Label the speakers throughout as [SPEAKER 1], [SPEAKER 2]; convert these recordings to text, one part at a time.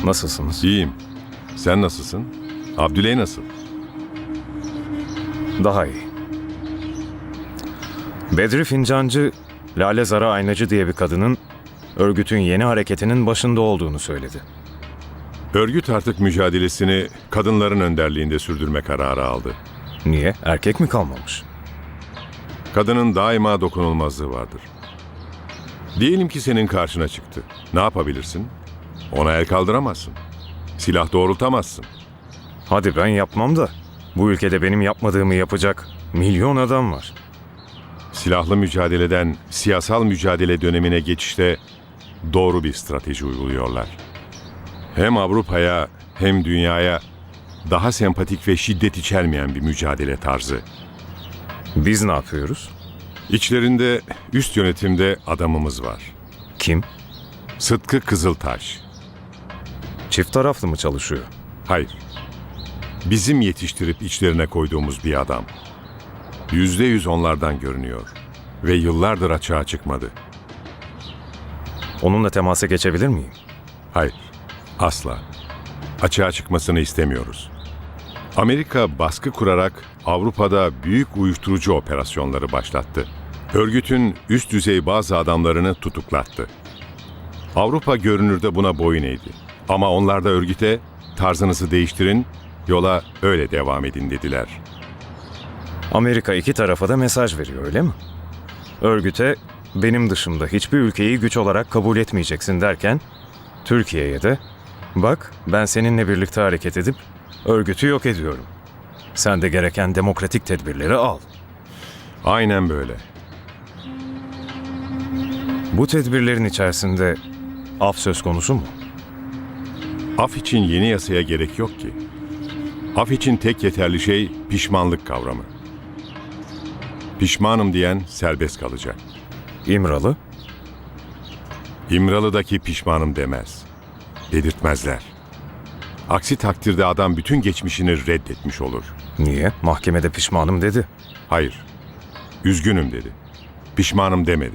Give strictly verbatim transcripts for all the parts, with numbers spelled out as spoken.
[SPEAKER 1] Nasılsınız?
[SPEAKER 2] İyiyim. Sen nasılsın? Abdüley nasıl?
[SPEAKER 1] Daha iyi. Bedri Fincancı, Lale Zara Aynacı diye bir kadının örgütün yeni hareketinin başında olduğunu söyledi.
[SPEAKER 2] Örgüt artık mücadelesini kadınların önderliğinde sürdürme kararı aldı.
[SPEAKER 1] Niye? Erkek mi kalmamış?
[SPEAKER 2] Kadının daima dokunulmazlığı vardır. Diyelim ki senin karşına çıktı. Ne yapabilirsin? Ona el kaldıramazsın. Silah doğrultamazsın.
[SPEAKER 1] Hadi ben yapmam da bu ülkede benim yapmadığımı yapacak milyon adam var.
[SPEAKER 2] Silahlı mücadeleden siyasal mücadele dönemine geçişte doğru bir strateji uyguluyorlar. Hem Avrupa'ya hem dünyaya daha sempatik ve şiddet içermeyen bir mücadele tarzı.
[SPEAKER 1] Biz ne yapıyoruz?
[SPEAKER 2] İçlerinde üst yönetimde adamımız var.
[SPEAKER 1] Kim?
[SPEAKER 2] Sıtkı Kızıltaş.
[SPEAKER 1] Çift taraflı mı çalışıyor?
[SPEAKER 2] Hayır. Bizim yetiştirip içlerine koyduğumuz bir adam. Yüzde yüz onlardan görünüyor. Ve yıllardır açığa çıkmadı.
[SPEAKER 1] Onunla temasa geçebilir miyim?
[SPEAKER 2] Hayır. Asla. Açığa çıkmasını istemiyoruz. Amerika baskı kurarak Avrupa'da büyük uyuşturucu operasyonları başlattı. Örgütün üst düzey bazı adamlarını tutuklattı. Avrupa görünürde buna boyun eğdi. Ama onlar da örgüte tarzınızı değiştirin, yola öyle devam edin dediler.
[SPEAKER 1] Amerika iki tarafa da mesaj veriyor, öyle mi? Örgüte benim dışımda hiçbir ülkeyi güç olarak kabul etmeyeceksin derken, Türkiye'ye de bak ben seninle birlikte hareket edip örgütü yok ediyorum. Sen de gereken demokratik tedbirleri al.
[SPEAKER 2] Aynen böyle.
[SPEAKER 1] Bu tedbirlerin içerisinde af söz konusu mu?
[SPEAKER 2] Af için yeni yasaya gerek yok ki. Af için tek yeterli şey pişmanlık kavramı. Pişmanım diyen serbest kalacak.
[SPEAKER 1] İmralı?
[SPEAKER 2] İmralı'daki pişmanım demez. Dedirtmezler. Aksi takdirde adam bütün geçmişini reddetmiş olur.
[SPEAKER 1] Niye? Mahkemede pişmanım dedi.
[SPEAKER 2] Hayır, üzgünüm dedi. Pişmanım demedi.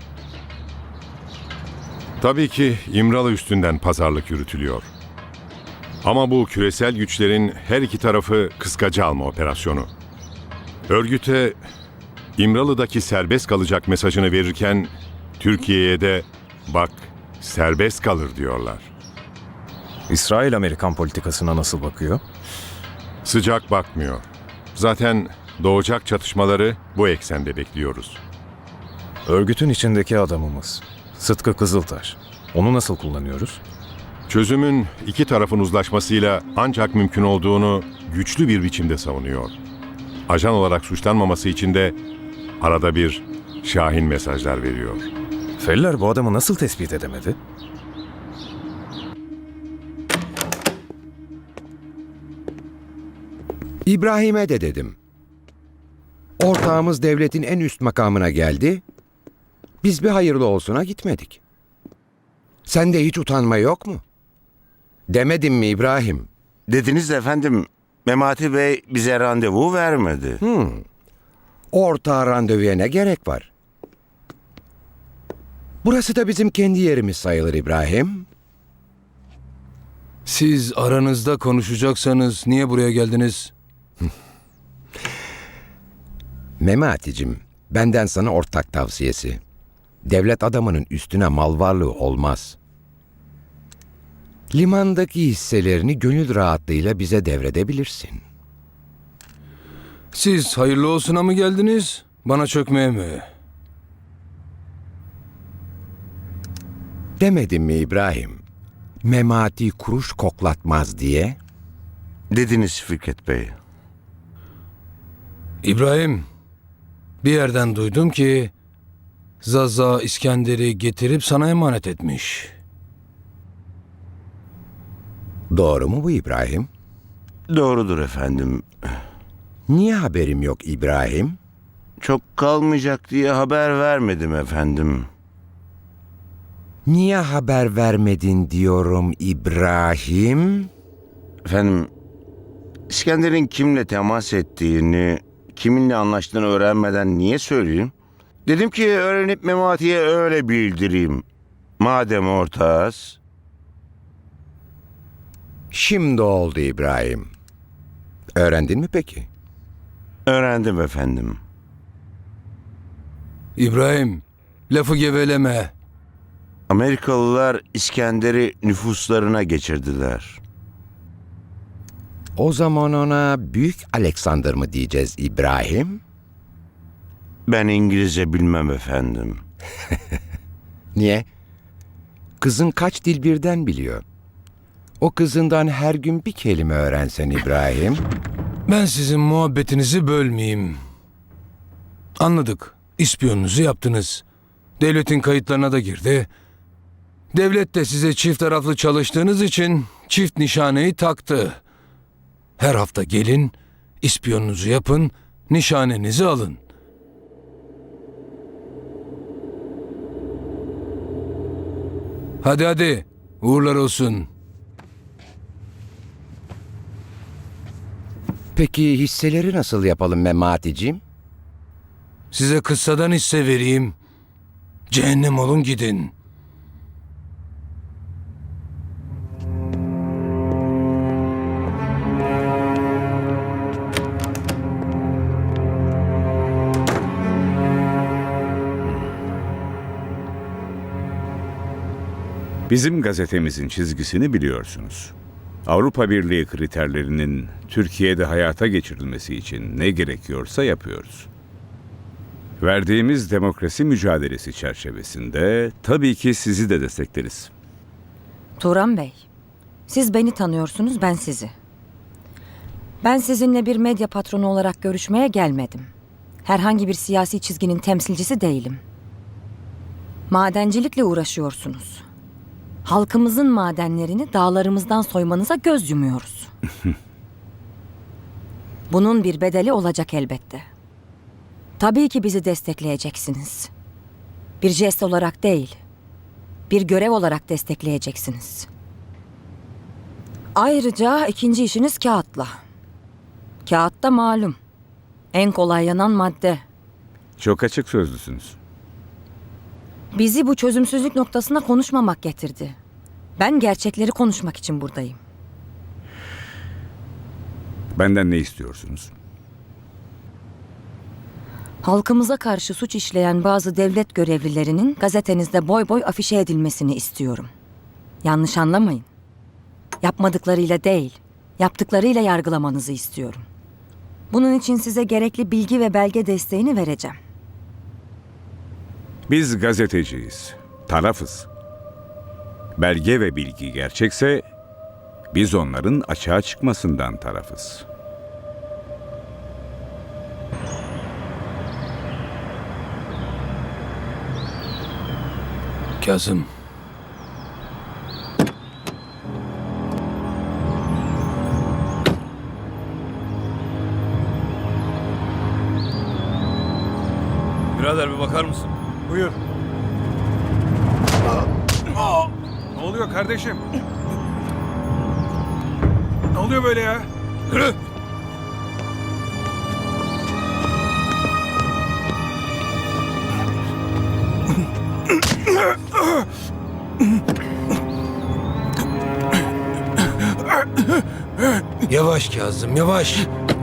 [SPEAKER 2] Tabii ki İmralı üstünden pazarlık yürütülüyor. Ama bu küresel güçlerin her iki tarafı kıskaca alma operasyonu. Örgüte İmralı'daki serbest kalacak mesajını verirken Türkiye'ye de bak serbest kalır diyorlar.
[SPEAKER 1] İsrail Amerikan politikasına nasıl bakıyor?
[SPEAKER 2] Sıcak bakmıyor. Zaten doğacak çatışmaları bu eksende bekliyoruz.
[SPEAKER 1] Örgütün içindeki adamımız Sıtkı Kızıltaş. Onu nasıl kullanıyoruz?
[SPEAKER 2] Çözümün iki tarafın uzlaşmasıyla ancak mümkün olduğunu güçlü bir biçimde savunuyor. Ajan olarak suçlanmaması için de arada bir şahin mesajlar veriyor.
[SPEAKER 1] Feller bu adamı nasıl tespit edemedi?
[SPEAKER 3] İbrahim'e de dedim. Ortağımız devletin en üst makamına geldi. Biz bir hayırlı olsuna gitmedik. Sende hiç utanma yok mu? Demedim mi İbrahim?
[SPEAKER 4] Dediniz de efendim, Memati Bey bize randevu vermedi.
[SPEAKER 3] Hmm. Ortağa randevuya ne gerek var? Burası da bizim kendi yerimiz sayılır İbrahim.
[SPEAKER 5] Siz aranızda konuşacaksanız niye buraya geldiniz?
[SPEAKER 3] Memati'cim, benden sana ortak tavsiyesi. Devlet adamının üstüne mal varlığı olmaz. Limandaki hisselerini gönül rahatlığıyla bize devredebilirsin.
[SPEAKER 5] Siz hayırlı olsuna mı geldiniz, bana çökmeye mi?
[SPEAKER 3] Demedim mi İbrahim? Memati kuruş koklatmaz diye.
[SPEAKER 4] Dediniz Fikret Bey.
[SPEAKER 5] İbrahim, bir yerden duydum ki Zaza İskender'i getirip sana emanet etmiş.
[SPEAKER 3] Doğru mu bu İbrahim?
[SPEAKER 4] Doğrudur efendim.
[SPEAKER 3] Niye haberim yok İbrahim?
[SPEAKER 4] Çok kalmayacak diye haber vermedim efendim.
[SPEAKER 3] Niye haber vermedin diyorum İbrahim?
[SPEAKER 4] Efendim, İskender'in kimle temas ettiğini, kiminle anlaştığını öğrenmeden niye söyleyeyim? Dedim ki öğrenip Memati'ye öyle bildireyim. Madem ortağız.
[SPEAKER 3] Şimdi oldu İbrahim. Öğrendin mi peki?
[SPEAKER 4] Öğrendim efendim.
[SPEAKER 5] İbrahim, lafı geveleme.
[SPEAKER 4] Amerikalılar İskender'i nüfuslarına geçirdiler.
[SPEAKER 3] O zaman ona Büyük Alexander mı diyeceğiz İbrahim?
[SPEAKER 4] Ben İngilizce bilmem efendim.
[SPEAKER 3] Niye? Kızın kaç dil birden biliyor. O kızından her gün bir kelime öğrensen İbrahim.
[SPEAKER 5] Ben sizin muhabbetinizi bölmeyeyim. Anladık. İspiyonunuzu yaptınız. Devletin kayıtlarına da girdi. Devlet de size çift taraflı çalıştığınız için çift nişaneyi taktı. Her hafta gelin, ispiyonunuzu yapın, nişanenizi alın. Hadi hadi, uğurlar olsun.
[SPEAKER 3] Peki hisseleri nasıl yapalım Memati'ciğim?
[SPEAKER 5] Size kıssadan hisse vereyim. Cehennem olun gidin.
[SPEAKER 6] Bizim gazetemizin çizgisini biliyorsunuz. Avrupa Birliği kriterlerinin Türkiye'de hayata geçirilmesi için ne gerekiyorsa yapıyoruz. Verdiğimiz demokrasi mücadelesi çerçevesinde tabii ki sizi de destekleriz.
[SPEAKER 7] Turan Bey, siz beni tanıyorsunuz, ben sizi. Ben sizinle bir medya patronu olarak görüşmeye gelmedim. Herhangi bir siyasi çizginin temsilcisi değilim. Madencilikle uğraşıyorsunuz. Halkımızın madenlerini dağlarımızdan soymanıza göz yumuyoruz. Bunun bir bedeli olacak elbette. Tabii ki bizi destekleyeceksiniz. Bir jest olarak değil, bir görev olarak destekleyeceksiniz. Ayrıca ikinci işiniz kağıtla. Kağıtta malum, en kolay yanan madde.
[SPEAKER 6] Çok açık sözlüsünüz.
[SPEAKER 7] Bizi bu çözümsüzlük noktasına konuşmamak getirdi. Ben gerçekleri konuşmak için buradayım.
[SPEAKER 6] Benden ne istiyorsunuz?
[SPEAKER 7] Halkımıza karşı suç işleyen bazı devlet görevlilerinin gazetenizde boy boy afişe edilmesini istiyorum. Yanlış anlamayın. Yapmadıklarıyla değil, yaptıklarıyla yargılamanızı istiyorum. Bunun için size gerekli bilgi ve belge desteğini vereceğim.
[SPEAKER 6] Biz gazeteciyiz, tarafız. Belge ve bilgi gerçekse biz onların açığa çıkmasından tarafız.
[SPEAKER 5] Kazım.
[SPEAKER 8] Birader bir bakar mısın?
[SPEAKER 1] Buyur. Ne oluyor kardeşim? Ne oluyor böyle ya?
[SPEAKER 8] Yürü!
[SPEAKER 5] Yavaş Kazım, yavaş.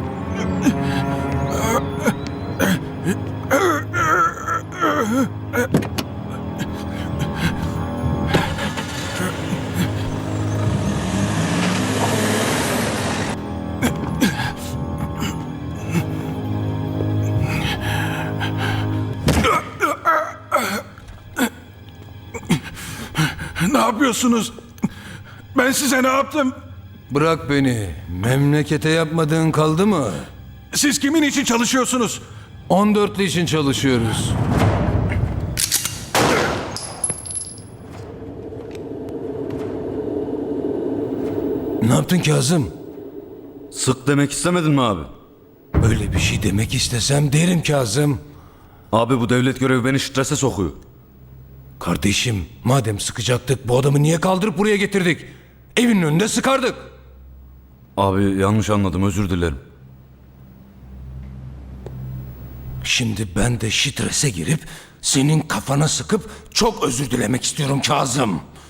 [SPEAKER 9] Ne yapıyorsunuz? Ben size ne yaptım?
[SPEAKER 5] Bırak beni. Memlekete yapmadığın kaldı mı?
[SPEAKER 9] Siz kimin için çalışıyorsunuz?
[SPEAKER 5] on dörtlü için çalışıyoruz. Ne yaptın Kazım?
[SPEAKER 8] Sık demek istemedin mi abi?
[SPEAKER 5] Öyle bir şey demek istesem derim Kazım.
[SPEAKER 8] Abi bu devlet görevi beni strese sokuyor.
[SPEAKER 5] Kardeşim, madem sıkacaktık bu adamı niye kaldırıp buraya getirdik? Evinin önünde sıkardık.
[SPEAKER 8] Abi yanlış anladım, özür dilerim.
[SPEAKER 5] Şimdi ben de strese girip senin kafana sıkıp çok özür dilemek istiyorum Kazım.